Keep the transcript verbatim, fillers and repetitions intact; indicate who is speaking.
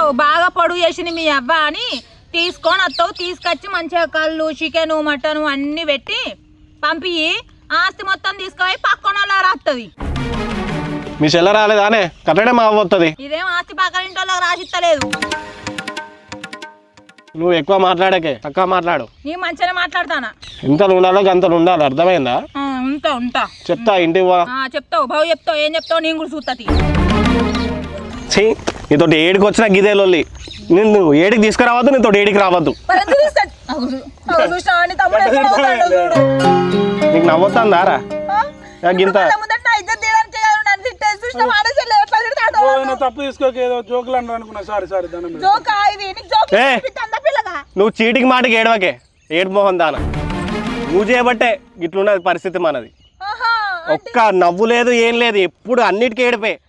Speaker 1: చేస్తావు బాగా పొడుగు చేసింది మీ అవ్వ అని తీసుకొని వస్తావు. తీసుకొచ్చి మంచిగా కళ్ళు చికెన్ మటన్ అన్ని పెట్టి పంపి ఆస్తి మొత్తం తీసుకుపోయి పక్కన రాస్తుంది.
Speaker 2: మీ చెల్ల రాలేదానే కట్టడే మా అవ్వొస్తుంది.
Speaker 1: ఇదేం ఆస్తి పక్కన ఇంట్లో రాసిస్తలేదు.
Speaker 2: నువ్వు ఎక్కువ మాట్లాడకే తక్కువ మాట్లాడు.
Speaker 1: నీ మంచిగానే మాట్లాడతానా.
Speaker 2: ఎంత ఉండాలో అంత ఉండాలి అర్థమైందా?
Speaker 1: ఉంటా ఉంటా
Speaker 2: చెప్తా ఇంటికి
Speaker 1: చెప్తావు బావు చెప్తావు ఏం చెప్తావు నేను కూడా చూస్తా.
Speaker 2: ఛీ నీతోటి ఏడికి వచ్చినా గిదే లొల్లి. నేను నువ్వు ఏడికి తీసుకురావద్దు నీతో ఏడికి రావద్దు. నీకు నవ్వుతుందా రా గింత
Speaker 3: తప్పు తీసుకోక ఏదో జోకులు అనుకున్నా. సారీ సారీ
Speaker 2: నువ్వు చీటికి మాటికి ఏడవకే ఏడు మోహన్ దాన. నువ్వు చేయబట్టే ఇట్లున్నది పరిస్థితి మనది. ఒక్క నవ్వు లేదు ఏం లేదు ఎప్పుడు అన్నిటికీ ఏడిపోయి